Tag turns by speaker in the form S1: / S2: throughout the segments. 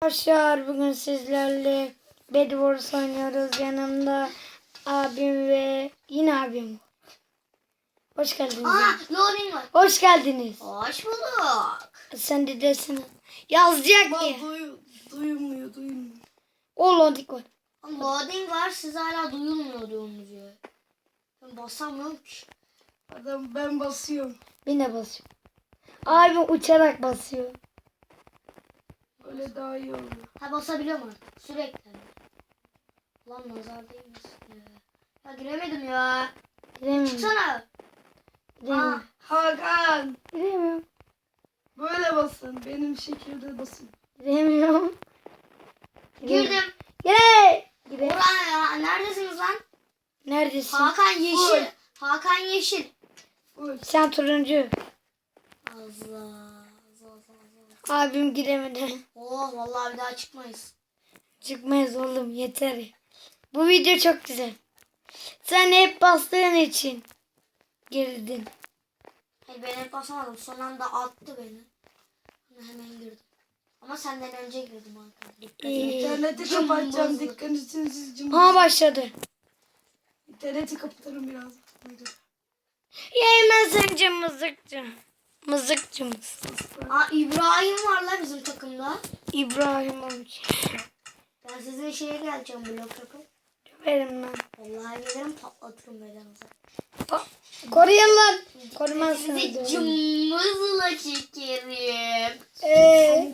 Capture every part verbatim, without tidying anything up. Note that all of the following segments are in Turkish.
S1: Arkadaşlar bugün sizlerle Bed Wars oynuyoruz. Yanımda abim ve yine abim. Hoş geldiniz.
S2: Aa, loading var.
S1: Hoş geldiniz.
S2: Hoş bulduk.
S1: Sen de desene. Yazacak
S3: Bak
S1: ki.
S3: duy, duyulmuyor duyulmuyor.
S1: O lodik var.
S2: Loading var, siz hala duyulmuyor diyorsunuz ya. Ben basamıyorum ki.
S3: Adam ben basıyorum.
S1: Ben de basıyorum. Abim uçarak basıyor.
S3: Öyle daha iyi oluyor.
S2: Ha, basabiliyorum artık sürekli. Lan nazar değmesin ya. Ya giremedim ya.
S1: Giremiyorum.
S2: Çıksana.
S1: Giremiyorum.
S2: Aa,
S3: Hakan
S1: Giremiyorum.
S3: böyle basın. Benim şekilde basın.
S1: Giremiyorum.
S2: girdim.
S1: Gire. Gire.
S2: Orhan ya, neredesiniz lan?
S1: Neredesin?
S2: Hakan yeşil.
S3: Full.
S2: Hakan yeşil.
S3: Full.
S1: Sen turuncu.
S2: Allah. Allah Allah.
S1: Abim giremedi.
S2: Oh, vallahi bir daha çıkmayız.
S1: Çıkmayız oğlum yeter. Bu video çok güzel. Sen hep bastığın için girdin.
S2: Hayır, ben hep basamadım. Son anda attı beni. Hemen girdim. Ama senden önce girdim Hakan. Dikkat
S1: İyi.
S2: et.
S3: İnterneti
S2: Cımbızlı.
S3: kapatacağım. Dikkatinizi cımbız.
S1: Aha başladı.
S3: İnterneti kapatırım biraz. Buyurun.
S1: Yemesince mızıkçı. Mızıkçı mısın?
S2: Aa, İbrahim var la bizim takımda.
S1: İbrahim olmuş.
S2: Ben sizin şeye geleceğim, blok takım.
S1: Verim lan.
S2: Vallahi gelirim, patlatırım belanızı.
S1: Koruyun lan. Korumazsınız.
S2: Sizi
S1: oğlum.
S2: cımbızla çekerim.
S1: Eee.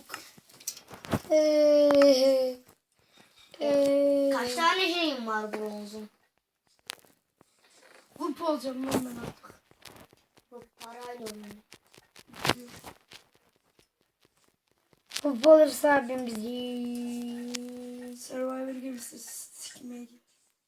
S1: Eee. Eee.
S2: Kaç tane şeyim var bronzun?
S3: Vup olacağım lan ben artık.
S2: Bu parayla oynuyorum.
S1: Pup olursa abim bizi.
S3: Survivor gemisi sikmeye git.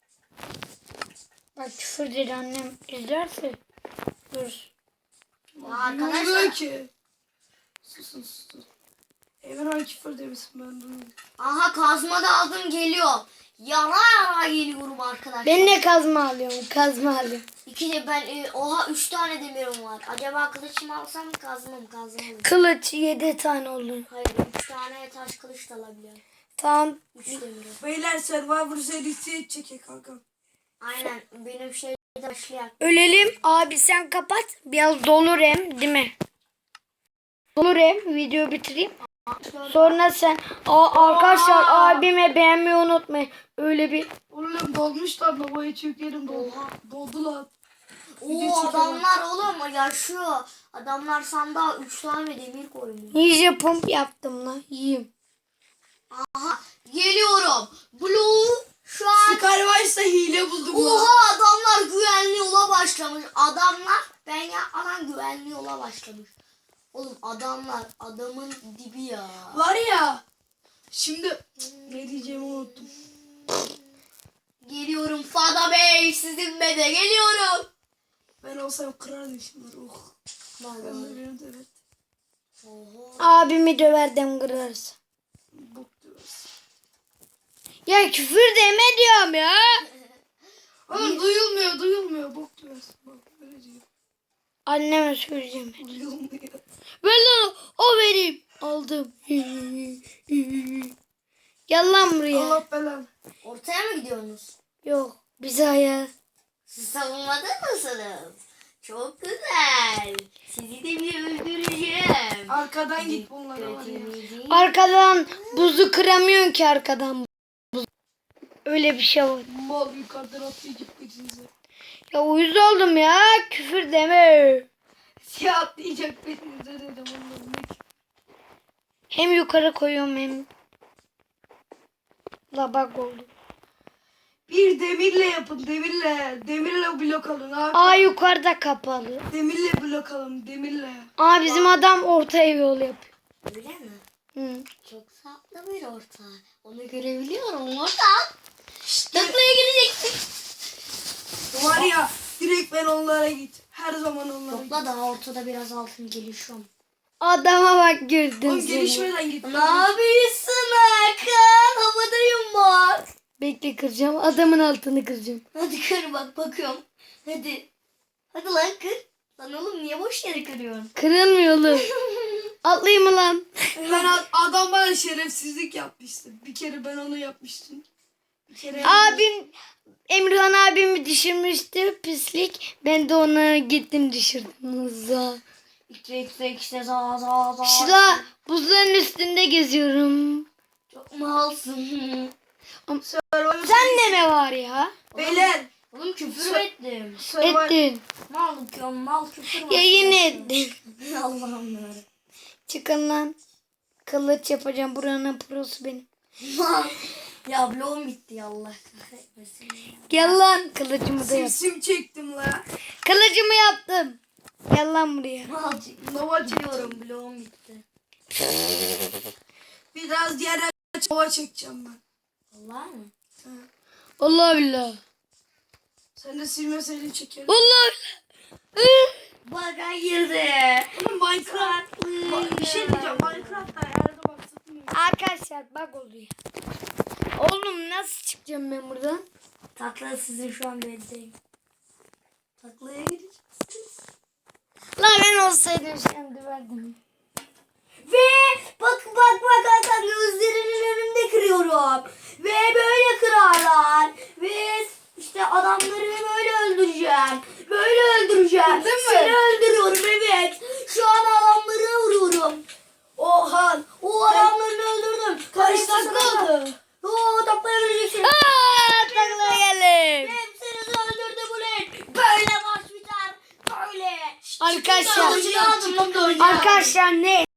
S1: Bak küfür dedi annem izlerse. Dur.
S2: Ya arkadaşlar.
S3: Duyulmuyor ki. Susun susun. Evren küfür demişsin ben duyuyorum.
S2: Aha, kazma da aldım, geliyor. Yara yara geliyorum arkadaşlar.
S1: Ben ne kazma alıyorum? Kazma alıyorum.
S2: İki de ben e, oha üç tane demirim var. Acaba kılıç mı alsam, kazma mı, kazma mı?
S1: Kılıç yedi tane olur.
S2: Hayır, üç tane taş kılıç da alabiliyorum.
S1: Tamam.
S2: Üç demirim.
S3: Beyler Survivor serisi çekek kanka.
S2: Aynen, benim şeyde başlayak.
S1: Ölelim. Abi sen kapat. Biraz dolur hem değil mi? Dolur hem. Videoyu bitireyim. Sonra sen. Aa, arkadaşlar abime beğenmeyi unutmayın. Öyle bir.
S3: Oğlum dolmuşlar babaya çökerim doldu.
S2: Oha.
S3: Doldular.
S2: Oo,
S3: Video çekelim.
S2: adamlar oğlum yaşıyor. Adamlar sandığa üç tane demir koymuş.
S1: Ninja pump yaptım lan. Yiyeyim.
S2: Aha, geliyorum. Blue şu an.
S3: Skyrise'da hile buldum lan.
S2: Oha, adamlar güvenli yola başlamış. Adamlar ben yapmadan güvenli yola başlamış. Oğlum adamlar adamın dibi ya.
S3: Var ya. Şimdi ne diyeceğimi unuttum.
S2: Geliyorum Fada Bey, sizin be de geliyorum.
S3: Ben olsam kırardım şimdi. Oh. Ben de
S2: Vallahi.
S3: benim de evet.
S2: Oha.
S1: Abimi döverdim kırarsa.
S3: Bok diyoruz.
S1: Ya küfür deme diyorum ya.
S3: Oğlum duyulmuyor duyulmuyor. Bok diyoruz. Bak öyle diyor.
S1: Anneme söyleyeceğim.
S3: Duyulmuyor.
S1: Ver lan o vereyim. Aldım. Gel lan buraya.
S3: Allah belanı.
S2: Ortaya mı gidiyorsunuz?
S1: Yok bize hayal.
S2: Siz savunmada mısınız? Çok güzel. Sizi de bir öldüreceğim.
S3: Arkadan git bunlara var ya.
S1: Arkadan buzu kıramıyorsun ki arkadan. Buz. Öyle bir şey var.
S3: Mal yukarıdan atlayacak birinize.
S1: Ya uyuz oldum ya. Küfür deme.
S3: Siyah atlayacak birinize dedim onların.
S1: Hem yukarı koyuyorum hem. La bak oldu.
S3: Bir demirle yapın demirle. Demirle blok alın abi.
S1: Aa yukarıda kapalı.
S3: Demirle blok alın demirle.
S1: Aa bizim adam ortaya yol yapıyor.
S2: Öyle mi?
S1: Hı.
S2: Çok tatlı bir orta. Onu görebiliyorum orta. Taklaya geleceksin.
S3: Var ya direkt ben onlara git. Her zaman onlara git.
S2: Topla, daha ortada biraz altın gelişiyorum.
S1: Adama bak gördün
S3: Oğlum
S1: seni.
S3: gelişmeden git.
S2: Ne yapıyorsun Hakan? Havadayım bak.
S1: Bekle kıracağım. Adamın altını kıracağım.
S2: Hadi kır bak, bakıyorum. Hadi. Hadi lan kır. Lan oğlum niye boş yere kırıyorsun?
S1: Kırılmıyor oğlum. Atlayayım mı lan?
S3: Ben a- adam bana şerefsizlik yapmıştı. Bir kere ben onu yapmıştım. Bir kere
S1: Abim Emirhan abimi düşürmüştü pislik. Ben de onu gittim düşürdüm. Hızla.
S2: İşte işte işte za za za.
S1: Şila buzların üstünde geziyorum.
S2: Çok malsın.
S3: Survivor
S1: Sen de mi var ya?
S3: Beyler.
S2: Oğlum küfür mü ettim?
S3: Survivor-
S1: Ettin.
S2: Mal diyorum mal küfür mü?
S1: Ya yine ettin.
S2: Allah'ım ya.
S1: Çıkın lan. Kılıç yapacağım. Buranın prosu benim.
S2: Mal. Ya bloğum bitti ya Allah kahretmesin. ya.
S1: Gel lan. Kılıcımı da yap.
S3: Simsim çektim la.
S1: Kılıcımı yaptım. Gel lan buraya.
S2: Mal
S3: Nova çektim.
S2: diyorum bloğum bitti.
S3: Biraz diğer Nova çekeceğim ben.
S2: Allah mı?
S1: Allah billah.
S3: Sen de silmeseydin çekerim.
S1: Allah billah.
S2: Baka girdi.
S3: Oğlum Minecraft. Bak, bir şey diyeceğim. Minecraft'ta ayarına baksana.
S1: Arkadaşlar bak oluyor. Oğlum nasıl çıkacağım ben buradan?
S2: Takla sizin şu an beddeyim. Taklaya gireceksiniz.
S1: La ben olsaydım şimdi verdim.
S2: Ve bak bak bak Hakan gözlerinin önünde kırıyorum. Ve böyle kırarlar. Ve işte adamları böyle öldüreceğim. Böyle öldüreceğim.
S3: Değil mi?
S2: Seni öldürüyorum evet. Şu an adamları vuruyorum. Oha. O adamlarını öldürdüm.
S3: Kaç
S2: Hepsi
S3: dakika
S2: sana-
S3: oldu?
S2: Oo taklayabileceksin.
S1: Aaa taklaya geldim.
S2: Hepsinizi öldürdüm ulan. Böyle maç biter. Böyle.
S1: Arkadaşlar.
S2: Kılıcını aldım lan kılıcını.
S1: Arkadaşlar ne?